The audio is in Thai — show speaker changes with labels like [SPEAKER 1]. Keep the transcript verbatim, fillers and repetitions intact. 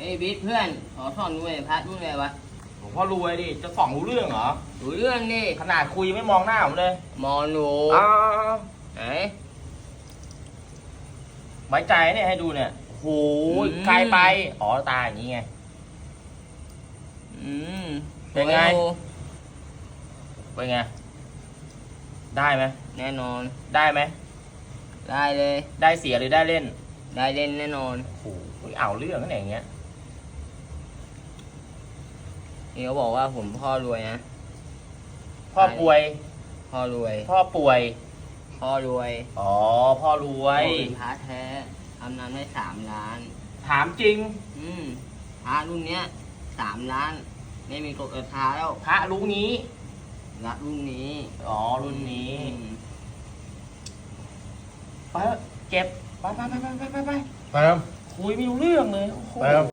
[SPEAKER 1] อ้ยบิ๊กเพื่อนขอสอนด้วยพระรุ่นอะไรวะ
[SPEAKER 2] หลวงพ่อรวยดิจะส่องรู้เรื่องเหรอ
[SPEAKER 1] รู้เรื่องดิ
[SPEAKER 2] ขนาดคุยไม่มองหน้าผมเลย
[SPEAKER 1] มองหนู
[SPEAKER 2] อ้าว
[SPEAKER 1] ไหน
[SPEAKER 2] ไว้ใจเนี่ยให้ดูเนี่ยโหไกลไปอ๋อตาอย่างนี้ไง
[SPEAKER 1] อืม
[SPEAKER 2] เป็นไงเป็นไงได้ไหม
[SPEAKER 1] แน่นอน
[SPEAKER 2] ได้ไหม
[SPEAKER 1] ได้เลย
[SPEAKER 2] ได้เสียหรือได้เล่น
[SPEAKER 1] ได้เล่นแน่นอน
[SPEAKER 2] โอ้โหเอาเรื่องนั่นอย่างเงี้ย
[SPEAKER 1] นี่เขาบอกว่าผมพ่อรวยนะ
[SPEAKER 2] พ่อป่วย
[SPEAKER 1] พ่อรวย
[SPEAKER 2] พ่อป่วย
[SPEAKER 1] พ่อรวย
[SPEAKER 2] อ๋อพ่อรวย
[SPEAKER 1] เป็นพระแท้ทำนานได้สามล้าน
[SPEAKER 2] ถามจริง
[SPEAKER 1] อืมพระรุ่นเนี้ยสามล้านไม่มีกฎราคาแล้ว
[SPEAKER 2] พระรู้งี้
[SPEAKER 1] รักรุ่นนี้
[SPEAKER 2] อ๋อรุ่นนี้ไปเก็บไปไปไปไปไปไปไปคุยไม่รู้เรื่องเลยโอ้โห